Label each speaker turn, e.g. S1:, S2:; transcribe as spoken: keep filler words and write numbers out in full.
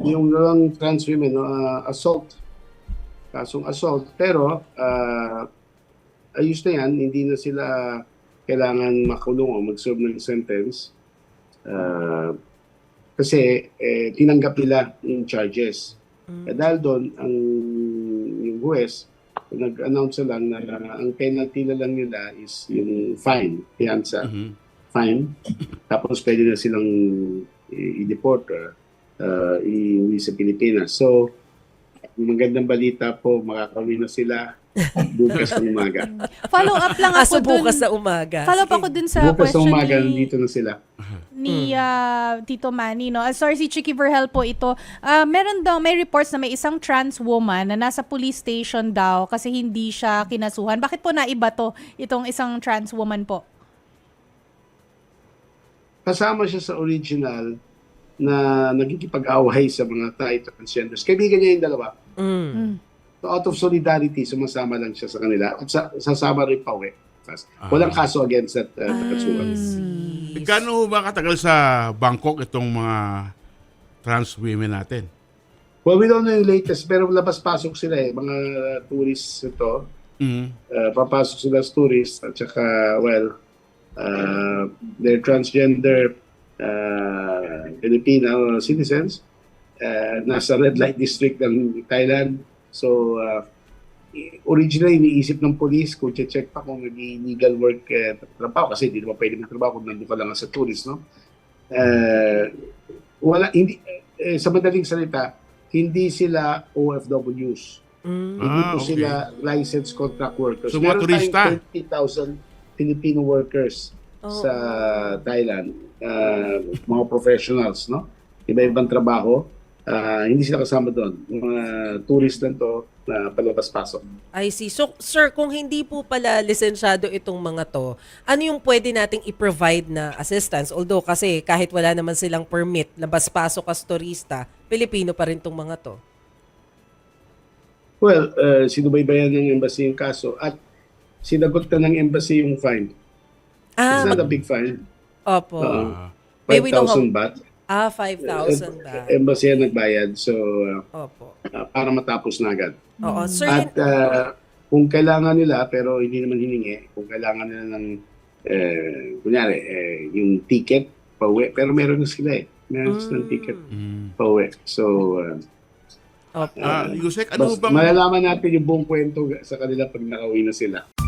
S1: yung lang trans women, no, uh, assault. Kasong assault. Pero, uh, ayos na yan. Hindi na sila kailangan makulong o mag-serve ng sentence. Uh, kasi eh, tinanggap nila yung charges. Mm. Eh, dahil doon, ang yung huwes, nag-announce lang na uh, ang penalty na lang nila is yung fine, fianza, mm-hmm. fine. Tapos pwede na silang i-deport, uh, uh, i-uwi sa Pilipinas. So, magandang balita po, makakauwi na sila bukas ng umaga.
S2: Follow up lang ako
S3: Aso
S2: dun.
S3: bukas sa umaga.
S2: Follow up ako dun sa
S1: bukas
S2: question
S1: ng umaga,
S2: ni,
S1: nandito na sila.
S2: ni uh, Tito Manny. No? Uh, sorry, si Chicky Verhel po ito. Uh, meron daw, may reports na may isang trans woman na nasa police station daw kasi hindi siya kinasuhan. Bakit po naiba to, itong isang trans woman po?
S1: Kasama siya sa original na nagkikipag-away sa mga tayo transgenders. Kaibigan niya yung dalawa.
S3: Mm. Mm.
S1: So out of solidarity, sumasama lang siya sa kanila at sa, sasama rin pa uwi. Walang kaso against that uh, katsuhan.
S4: Mm. Gano'n ba katagal sa Bangkok itong mga trans women natin?
S1: Well, we don't know yung latest, pero labas-pasok sila eh. Mga tourists ito. Mm-hmm. Uh, papasok sila as tourists at saka, well, uh, they're transgender uh, Filipino citizens. Uh, nasa red light district ng Thailand. So, uh, originally, iniisip ng police kung check pa kung nag-illegal work eh, trabaho kasi hindi naman pwede magtrabaho kung nandun ka lang sa tourist, no? Uh, wala, hindi, eh, sa madaling salita, hindi sila O F Ws. Mm. Hindi
S4: ah,
S1: po
S4: okay.
S1: sila licensed contract workers.
S4: So, mga turista?
S1: thirty thousand Filipino workers oh. sa Thailand. Uh, mga professionals, no? Iba-ibang trabaho. Uh, hindi sila kasama doon. Mga tourist lang to na palabas-pasok.
S3: I see. So, sir, kung hindi po pala lisensyado itong mga to, ano yung pwede nating i-provide na assistance? Although kasi kahit wala naman silang permit, labas-pasok as turista, Pilipino pa rin itong mga to.
S1: Well, uh, sinubaybayan ng embassy yung kaso at sinagot na ng embassy yung fine. Ah, it's not a big fine.
S3: Opo.
S1: Uh, five thousand baht.
S3: Ah, five thousand ba?
S1: Embassy yan nagbayad. So, uh,
S3: Opo.
S1: Uh, para matapos na agad.
S3: Oo, sir.
S1: At uh, kung kailangan nila, pero hindi naman hiningi, kung kailangan nila ng, eh, kunyari, eh, yung ticket, pauwi. Pero meron na sila eh. Meron mm. silang ticket, mm. pauwi. So, uh,
S3: Opo.
S4: Uh, Yusek, ano
S1: bas,
S4: bang...
S1: malalaman natin yung buong kwento sa kanila pag nakauwi na sila.